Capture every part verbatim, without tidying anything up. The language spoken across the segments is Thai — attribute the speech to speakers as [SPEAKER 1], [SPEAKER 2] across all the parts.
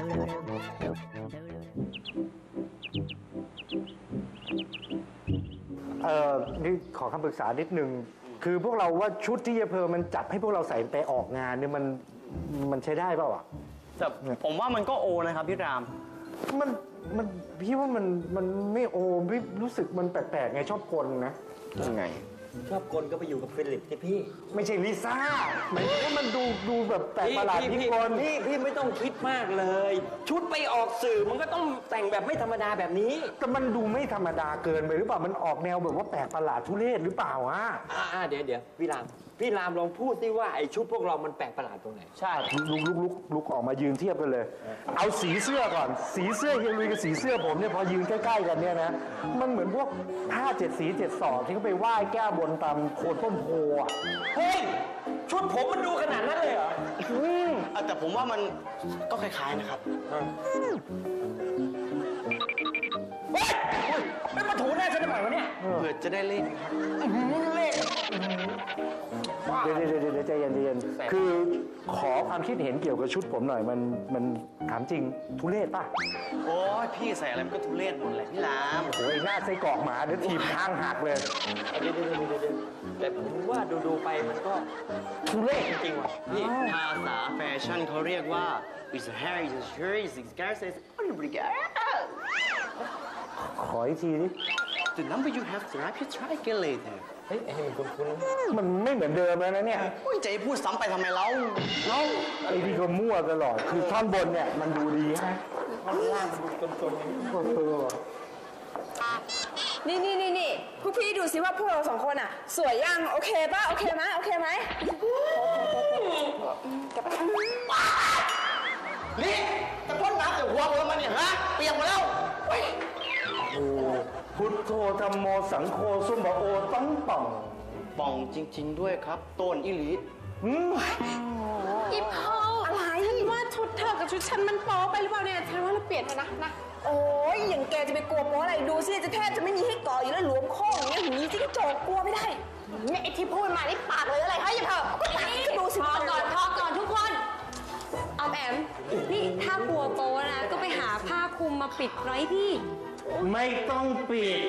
[SPEAKER 1] เอ่อนี่ขอคำปรึกษานิดนึงคือพวกเราว่าชุดที่เยเพอมันจับให้พวกเราใส่ไปออกงานเนี่ยมันมันใช้ได้เปล่าอ่ะ
[SPEAKER 2] แต่ผมว่ามันก็โอนะครับพี่ราม
[SPEAKER 1] มันมันพี่ว่ามันมันไม่โอพี่รู้สึกมันแปลกๆไงชอบกลนะ
[SPEAKER 2] ยังไง
[SPEAKER 3] ชอบกลก็ไปอยู่กับฟิลิปสิพี่
[SPEAKER 1] ไม่ใช่ลิซ่าหมายถึงว่ามันดูดูแบบแปลกประหลาดพี่กล
[SPEAKER 3] พี่พี่ไม่ต้องคิดมากเลยชุดไปออกสื่อมันก็ต้องแต่งแบบไม่ธรรมดาแบบนี้
[SPEAKER 1] แต่มันดูไม่ธรรมดาเกินไปหรือเปล่ามันออกแนวแบบว่าแปลกประหลาดทุเรศหรือเปล่าอ่ะ
[SPEAKER 3] อ่าเดี๋ยวเดี๋ยวพี่รามพี่รามลองพูดสิว่าไอ้ชุดพวกเรามันแปลกประหลาดตรงไหน
[SPEAKER 1] ใช่ลุกลุกลุกลุกออกมายืนเทียบกันเลยเอาสีเสื้อก่อนสีเสื้อเฮียลุยกับสีเสื้อผมเนี่ยพอยืนใกล้ๆกันเนี่ยนะมันเหมือนพวกผ้าเจ็ดสีเจ็ดสอดที่เขาไปไหว้แก้บนตามโคนต้นโพอ่ะ
[SPEAKER 3] เฮ้ยชุดผมมันดูขนาดนั้นเลยเหรอ
[SPEAKER 2] อืมแต่ผมว่ามันก็คล้ายๆนะครับ
[SPEAKER 3] เฮ้ยไม่มาถูหน้าฉันทำไมวะเนี่ย
[SPEAKER 2] เผื่อจะได้เลขครับ
[SPEAKER 3] เลข
[SPEAKER 1] เดี๋ยวเดี๋ยวเดี๋ยวใจเย็นใจเย็นคือขอความคิดเห็นเกี่ยวกับชุดผมหน่อยมันมันถามจริงทุเรศป่ะ
[SPEAKER 2] โอ้ยพี่ใส่อะไรมันก็ทุเรศหมดแหละพี่ราม
[SPEAKER 1] โอ้ยหน้าไส้กรอกหมาเดี๋ยวทีบข้างหักเลย
[SPEAKER 3] เดี๋ยวเดี๋ยวเดี๋ยวเดี๋ยวแต่ผมว่าดูดูไปมันก็
[SPEAKER 1] ทุเรศ
[SPEAKER 3] จริงว่ะ
[SPEAKER 2] นี่ภาษาแฟชั่นเขาเรียกว่า is a hair is a shirt is a scarf is a brigade
[SPEAKER 1] ขออีกทีดิ
[SPEAKER 2] The number you have to write you try again later
[SPEAKER 3] เฮ้ยไอ้มันคุ้น
[SPEAKER 1] ๆมันไม่เหมือนเดิมแล้วนะเนี่ย
[SPEAKER 2] โอ้ยใจพูดซ้ำไปทำไมเล่าเล่า
[SPEAKER 1] ไอ้ที่ก็มั่วตลอดคือท่อนบนเนี่ยมันดูดีฮะ
[SPEAKER 3] ท่อนล่างมันดูตนๆอย่าง
[SPEAKER 4] นี้นี่นี่นี่นี่พวกพี่ดูสิว่าพวกเราสองคนอ่ะสวยยังโอเคป่ะโอเคไหมโอเคไหมจะไปทำ
[SPEAKER 2] นี่จะพ่นน้ำจากหัวเรามาเนี่ยฮะเปียกหมดแล้ว
[SPEAKER 1] โอ้พุทโธธรรมโมสังโฆสุบะโอตั้งป่อง
[SPEAKER 2] ป่องจริงๆด้วยครับต้นอิลิ
[SPEAKER 4] อีพออะไรฉันว่าชุดเธอกับชุดฉันมันโป๊ไปหรือเปล่าเนี่ยฉันว่าเราเปลี่ยนเถอะนะนะโอ้ยอย่างแกจะไปกลัวโป๊อะไรดูสิจะแทบจะไม่มีให้ก่ออยู่แล้วหลวมข้ออย่างเงี้ยหูนี้ที่กระจกกลัวไม่ได้เนี่ยไอ้ที่พูดมานี่ปากเลยอะไรเฮ้ยอย่าเถอะก็ดูสิพอก่อนพอก่อนทุกคนออมแอมนี่ถ้ากลัวโป๊นะก็ไปหาผ้าคลุมมาปิดไว้ที่
[SPEAKER 1] ไม่ต้องปิด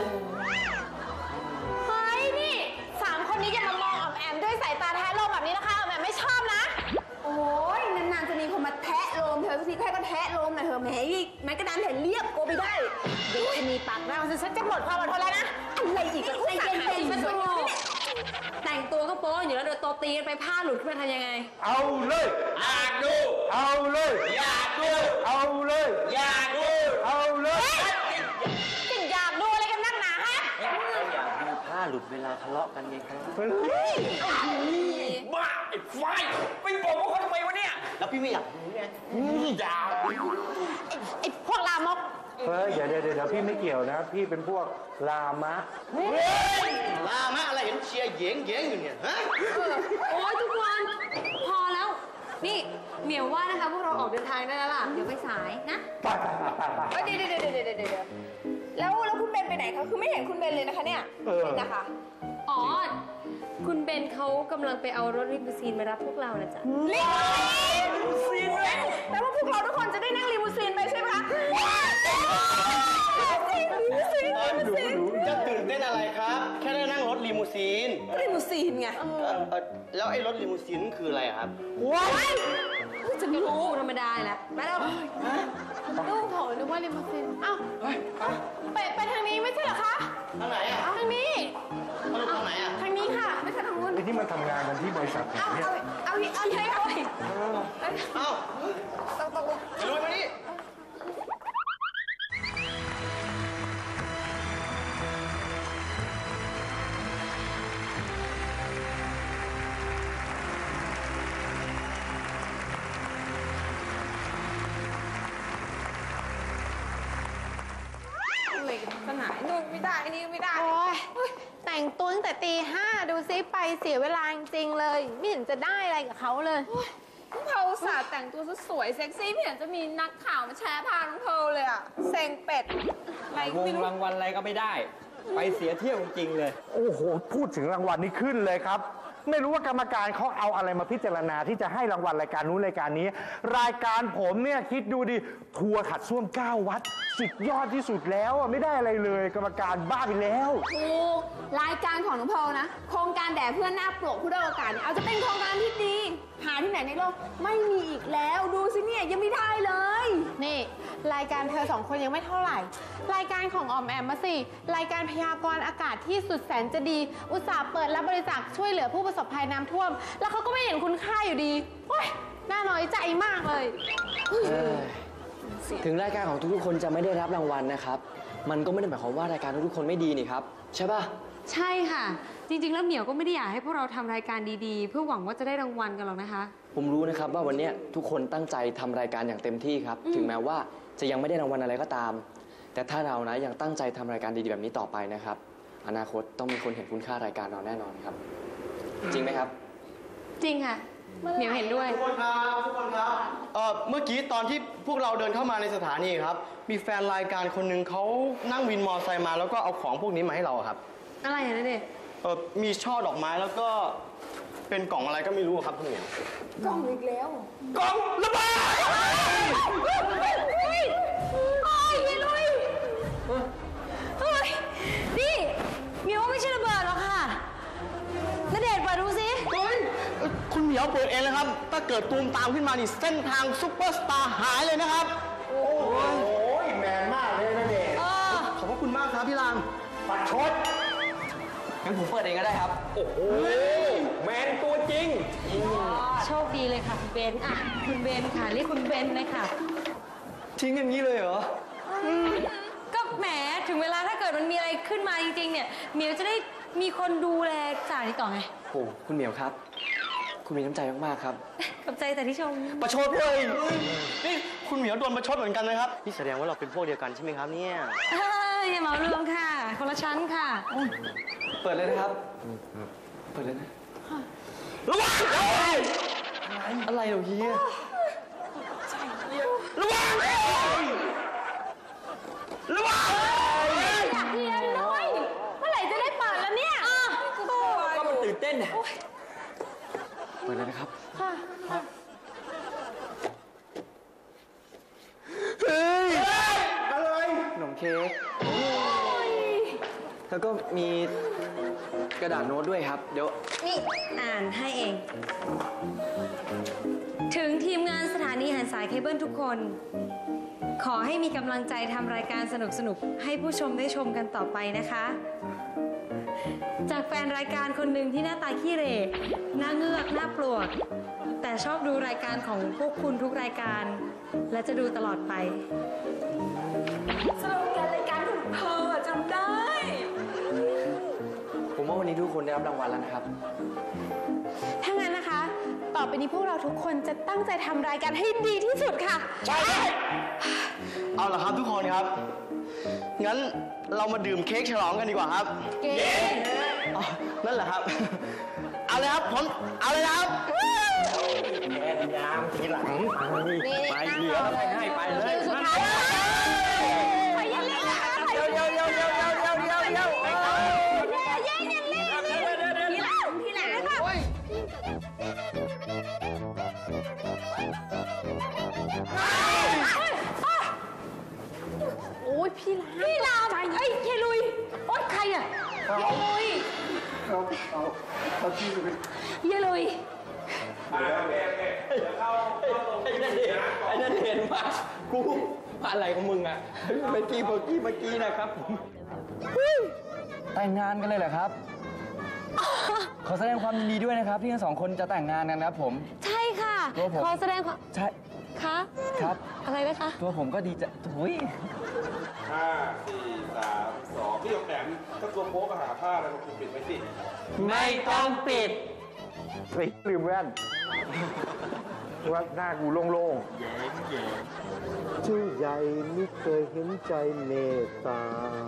[SPEAKER 4] เฮ้ยนี่สามคนนี้อย่ามามองออมแอมด้วยสายตาแทะโลมแบบนี้นะคะออมแอมไม่ชอบนะโอ้ยนานๆจะมีคนมาแทะโลมเธอสักทีแค่ก็แทะโลมหน่อยเถอะแหมแม้กระดานเห็นเรียบโกไปได้เด็กจะมีปากเราฉันจะหมดความอดทนแล้วนะอะไรอีกใจเย็นๆฉันสวยแต่งตัวก็โป๊อยู่แล้วเดี๋ยวโตตีกันไปผ้าหลุดขึ้นมาทำยังไง
[SPEAKER 1] เอาเลย
[SPEAKER 3] อยากดู
[SPEAKER 1] เอาเลย
[SPEAKER 3] อยากดู
[SPEAKER 1] เอาเลย
[SPEAKER 3] อยากดู
[SPEAKER 1] เอาเลย
[SPEAKER 4] จะอยากดูอะไรกันนักหนาฮะ
[SPEAKER 3] อยากดูผ้าหลุดเวลาทะเลาะกันไงครับบ้าไอ้ไฟไปบอกว่าเขาทำไมวะเนี่ย
[SPEAKER 2] แล้วพี่ไม่อยากดูไง
[SPEAKER 3] อยาก
[SPEAKER 4] ไอ้พวกลามก
[SPEAKER 1] เฮ้ยเดี๋ยวเดี๋ยวเดี๋ยวพี่ไม่เกี่ยวนะพี่เป็นพวกลามะ
[SPEAKER 2] ลามะอะไรเห็นเชียร์เย้งเย้งอยู่เนี่ยฮะ
[SPEAKER 4] โอ้ยทุกคนพอแล้วนี่เหมียวว่านะคะพวกเราออกเดินทางได้แล้วล่ะเดี๋ยวไปสายนะ
[SPEAKER 1] ไปไปไปไป
[SPEAKER 4] เดี๋ยวเดี๋ยวเดี๋ยวเดี๋ยวเดี๋ยวแล้วแล้วคุณเบนไปไหนคะคือไม่เห็นคุณเบนเลยนะคะเนี่ยนะคะอ๋อคุณเบนเขากำลังไปเอารถลิมูซีนมารับพวกเรานะจ๊ะลิมูซีนเลยแปลว่าพวกเราทุกคนจะได้นั่งลิมูซีนไปใช่ไหมคะลิมูซีนลิมูซีน
[SPEAKER 2] จะตื่นเต้นอะไรครับแค่ได้นั่งรถลิมูซีน
[SPEAKER 4] ลิมูซีนไง
[SPEAKER 2] แล้วไอ้รถลิมูซีนคืออะไรครับ
[SPEAKER 4] ว้ายจะไม่รู้ธรรมดาแหละไปแล้วลูกโถนึกว่าลิมูซีนอ้าวไปไปทางนี้ไม่ใช่เหรอคะ
[SPEAKER 2] ทางไหนอ่ะ
[SPEAKER 4] ทางนี้
[SPEAKER 2] ทางไหนอ่ะ
[SPEAKER 4] ทางนี้ค่ะไม่ใช่ทางนู้น
[SPEAKER 1] ไอ้ที่มาทำงานกันที่บริษัท
[SPEAKER 4] เอาเอาเอาเอาใช่เอา
[SPEAKER 2] เอา
[SPEAKER 4] ต้องต้อง
[SPEAKER 2] ไปลุยมาดิ
[SPEAKER 4] สนายนู่นไม่ได้นี่ไม่ได้โอ้ยแต่งตัวตั้งแต่ตีห้าดูซิไปเสียเวลาจริงๆเลยไม่เห็นจะได้อะไรกับเขาเลยเขาสาดแต่งตัวสวยเซ็กซี่ไม่เห็นจะมีนักข่าวมาแชร์พาน้องเพลเลยอะเซ็งเป็ด
[SPEAKER 3] อะไรวงรางวัลอะไรก็ไม่ได้ไปเสียเที่ยวจริงๆเลย
[SPEAKER 1] โอ้โหพูดถึงรางวัลนี่ขึ้นเลยครับไม่รู้ว่ากรรมการเขาเอาอะไรมาพิจารณาที่จะให้รางวัลรายการนู้นรายการนี้ รายการผมเนี่ยคิดดูดิทัวร์ขัดส้วมเก้าวัดสุดยอดที่สุดแล้วอะไม่ได้อะไรเลย กรรมการบ้าไปแล้ว
[SPEAKER 4] ถูกรายการของน้องพอลนะ โครงการแด่เพื่อนหน้าปลวกผู้ด้อยโอกาสเนี่ยเอาจะเป็นโครงการที่ดี หาที่ไหนในโลกไม่มีอีกแล้ว ดูสิเนี่ยยังไม่ได้เลย
[SPEAKER 5] นี่ รายการเธอสองคนยังไม่เท่าไหร่ รายการของออมแอมมาสิ รายการพยากรณ์อากาศที่สุดแสนจะดี อุตส่าห์เปิดรับบริจาคช่วยเหลือผู้ประสบภัยน้ำท่วม แล้วเขาก็ไม่เห็นคุณค่าอยู่ดีโอ๊ยน่าน้อยใจมากเลย
[SPEAKER 3] ถึงรายการของทุกๆคนจะไม่ได้รับรางวัลนะครับ มันก็ไม่ได้หมายความว่ารายการทุกๆคนไม่ดีนี่ครับ ใช่ป่ะ
[SPEAKER 6] ใช่ค่ะ จริงๆ แล้วเหมียวก็ไม่ได้อยากให้พวกเราทำรายการดีๆ เพื่อหวังว่าจะได้รางวัลกันหรอกนะคะ
[SPEAKER 3] ผมรู้นะครับว่าวันนี้ทุกคนตั้งใจทำรายการอย่างเต็มที่ครับ ถึงแม้ว่าจะยังไม่ได้รางวัลอะไรก็ตาม แต่ถ้าเรานะยังตั้งใจทำรายการดีๆแบบนี้ต่อไปนะครับ อนาคตต้องมีคนเห็นคุณค่ารายการเราแน่นอนครับ จริงไหมครับ
[SPEAKER 6] จริงค่ะ เหมียวเห็นด้วย
[SPEAKER 2] ทุกคนครับทุกคนครับเอ่อเมื่อกี้ตอนที่พวกเราเดินเข้ามาในสถานีครับ มีแฟนรายการคนหนึ่งเขานั่งวินมอเตอร์ไซค์มาแล้วก็เอาของพวกนี้มาให้เราครับ
[SPEAKER 6] อะไรอะนะเด็ก
[SPEAKER 2] เออมีช่อดอกไม้แล้วก็เป็นกล่องอะไรก็ไม่รู้ครับคุณเหมียว
[SPEAKER 4] กล้องอีกแล้ว
[SPEAKER 2] กล่องระเบิด
[SPEAKER 5] โอ้ยพี่ลุยเฮ้ย นี่เหมียวว่าไม่ใช่ระเบิดหรอกค่ะณเดชน์เปิดดูสิ
[SPEAKER 2] เฮ้ยคุณเหมียวเปิดเองเลยครับ ถ้าเกิดตูมตามขึ้นมานี่เส้นทางซุปเปอร์สตาร์หายเลยนะครับ
[SPEAKER 1] โอ้ยแมนมากเลยนะเด็ก
[SPEAKER 5] เออ
[SPEAKER 2] ขอบพระคุณมากครับพี่ราม
[SPEAKER 1] ปัดชด
[SPEAKER 3] งั้นผมเปิดเองก็ได้ครับ โอ้โห แมนตัวจริง
[SPEAKER 6] โชคดีเลยค่ะคุณเบนอ่ะ คุณเบนค่ะเรียกคุณเบนเลยค่ะ
[SPEAKER 3] ทิ้งอย่างนี้เลยเหรอ
[SPEAKER 6] ก็แหมถึงเวลาถ้าเกิดมันมีอะไรขึ้นมาจริงๆ เนี่ยเหมียวจะได้มีคนดูแลจ่ายนี้ต่อไง
[SPEAKER 3] โอ้คุณเหมียวครับ คุณมีน้ำใจมากๆครับ
[SPEAKER 6] ขอบใจแต่ที่ชม
[SPEAKER 2] ประชดเลยนี่คุณเหมียวโดนประชดเหมือนกันนะครับ นี่แสดงว่าเราเป็นพวกเดียวกันใช่ไหมครับเนี่ย
[SPEAKER 6] เอ้ยอย่าเหมารวมค่ะ คนละชั้นค่ะ
[SPEAKER 3] เปิดเลยนะครับ เปิดเลยนะ
[SPEAKER 2] ระวัง
[SPEAKER 3] อะไรเหรอเฮีย
[SPEAKER 2] ระวังระวัง
[SPEAKER 5] อยากเรียนเลยเมื่อไหร่จะได้เปิดแล้วเนี่ย
[SPEAKER 3] ก็มันตื่นเต้นเนี่ยเปิดเลยนะครับ
[SPEAKER 1] เฮ้ย อะไร
[SPEAKER 3] ขนมเค้กแล้วก็มีกระดาษโน้ตด้วยครับ เดี๋ยว
[SPEAKER 6] นี่อ่านให้เอง ถึงทีมงานสถานีหันสายเคเบิลทุกคน ขอให้มีกำลังใจทำรายการสนุกๆ ให้ผู้ชมได้ชมกันต่อไปนะคะ จากแฟนรายการคนหนึ่งที่หน้าตาขี้เหร่หน้าเงือกหน้าปลวก แต่ชอบดูรายการของพวกคุณทุกรายการ และจะดูตลอดไป
[SPEAKER 4] สโลแกนรายการของเธอจำได้
[SPEAKER 3] ผมว่าวันนี้ทุกคนได้รับรางวัลแล้วนะครับ
[SPEAKER 5] ถ้างั้นนะคะ ต่อไปนี้พวกเราทุกคนจะตั้งใจทำรายการให้ดีที่สุดค่ะ
[SPEAKER 2] ใช่เอาล่ะครับทุกคนครับ งั้นเรามาดื่มเค้กฉลองกันดีกว่าครับ
[SPEAKER 5] เก๋
[SPEAKER 2] อ๋อนั่นแหละครับ เอาเลยครับผมเอาเลยครับ
[SPEAKER 3] ไปเหลืออะไรให้ไปเลย
[SPEAKER 5] สุดท้ายไปยันเล่นนะคะไปยันเล่น
[SPEAKER 3] เดี๋ยวเดี๋ยวเดี๋ยวเดี๋ยวเดี๋ยวเดี๋ยวเดี๋ยว
[SPEAKER 5] แย่งยันเล่นทีหลังทีหลังค่ะโอ้ยพี่ลามพี่ลามเอ้ยเยลุยโอ๊ยใครอ่ะเยลุย
[SPEAKER 1] เอาเอาเอาที่ไป
[SPEAKER 5] เยลุย
[SPEAKER 3] ไอ้นั่นเห็นไอ้นั่นเห็นมากูอะไรของมึงอ่ะเมื่อกี้เมื่อกี้เมื่อกี้นะครับแต่งงานกันเลยเหรอครับ ขอแสดงความยินดีด้วยนะครับที่ทั้งสองคนจะแต่งงานกันนะครับผม
[SPEAKER 6] ใช่ค่ะ
[SPEAKER 3] ตัวผม
[SPEAKER 6] ขอแสดงความ
[SPEAKER 3] ใช่
[SPEAKER 6] คะ
[SPEAKER 3] ครับ
[SPEAKER 6] อะไรนะคะ
[SPEAKER 3] ตัวผมก็ดีใจหุย
[SPEAKER 7] ห้าสี่สามสองพี่แอมถ้าตัวโป๊ก็หาผ้าอะไรมาคุมปิดไว้สิ
[SPEAKER 3] ไม่ต้องปิด
[SPEAKER 1] เฮ้ยลืมแว่นว่าหน้ากูโล่งๆชื่อใหญ่ไม่เคยเห็นใจเมตตาน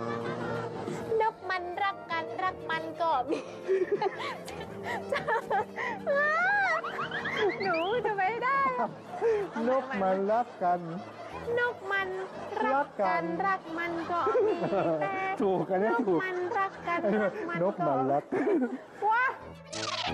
[SPEAKER 5] กมันรักกันรักมันก็มี หนูจะไม่ได้
[SPEAKER 1] นกมันรักกัน
[SPEAKER 5] นกมันรักกันรักมันก็มีแต่
[SPEAKER 1] ถูกกันเนี่ย
[SPEAKER 5] นก
[SPEAKER 1] ถูก
[SPEAKER 5] มันรักกันรักมัน
[SPEAKER 1] นกมันรัก
[SPEAKER 5] ว้า